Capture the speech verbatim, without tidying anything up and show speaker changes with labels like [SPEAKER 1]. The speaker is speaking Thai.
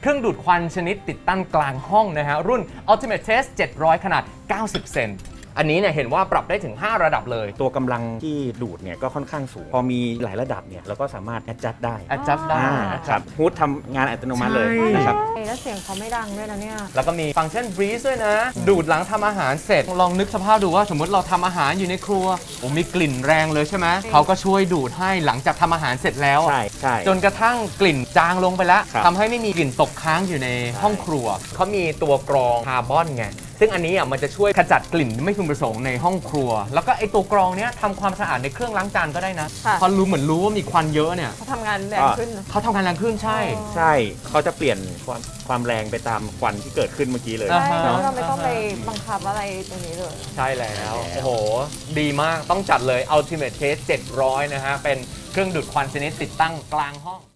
[SPEAKER 1] เครื่องดูดควันชนิดติดตั้งกลางห้องนะฮะรุ่น Ultimate Taste เจ็ดร้อย ขนาด เก้าสิบ เซนอันนี้เนี่ยเห็นว่าปรับได้ถึง ห้า ระดับเลย
[SPEAKER 2] ตัวกำลังที่ดูดเนี่ยก็ค่อนข้างสูงพอมีหลายระดับเนี่ยเราก็สามารถ adjust ได้
[SPEAKER 1] adjust ได้
[SPEAKER 2] ครับฮูดทำงานอัตโนมัติเลยนะครับ
[SPEAKER 3] แล้วเสียงเขาไม่ดังด้วยนะเนี่ย
[SPEAKER 1] แล้วก็มีฟังก์ชัน breeze ด้วยนะดูดหลังทำอาหารเสร็จลองนึกสภาพดูว่าสมมติเราทำอาหารอยู่ในครัวโอ้มีกลิ่นแรงเลยใช่ไหมเขาก็ช่วยดูดให้หลังจากทำอาหารเสร็จแล้ว
[SPEAKER 2] ใช่ใช่
[SPEAKER 1] จนกระทั่งกลิ่นจางลงไปแล้ว
[SPEAKER 2] ครับ
[SPEAKER 1] ทำให้ไม่มีกลิ่นตกค้างอยู่ในห้องครัวเขามีตัวกรองคาร์บอนไงซึ่งอันนี้อ่ะมันจะช่วยขจัดกลิ่นไม่พึงประสงค์ในห้องครัวแล้วก็ไอตัวกรองเนี้ยทำความสะอาดในเครื่องล้างจานก็ได้นะพอรู้เหมือนรู้ว่ามีควันเยอะเนี่ย
[SPEAKER 3] เขาทำงานแรงขึ้น
[SPEAKER 1] เขาทำงานแรงขึ้นใช่
[SPEAKER 2] ใช่เขาจะเปลี่ยนความความแรงไปตามควันที่เกิดขึ้นเมื่อกี้เลย
[SPEAKER 3] ใช่แล้วเราไม่ต้องไปบังคับอะไรตรงนี้เลย
[SPEAKER 1] ใช่แล้วโอ้โหดีมากต้องจัดเลย Ultimate Taste เจ็ดร้อยนะฮะเป็นเครื่องดูดควันชนิดติดตั้งกลางห้อง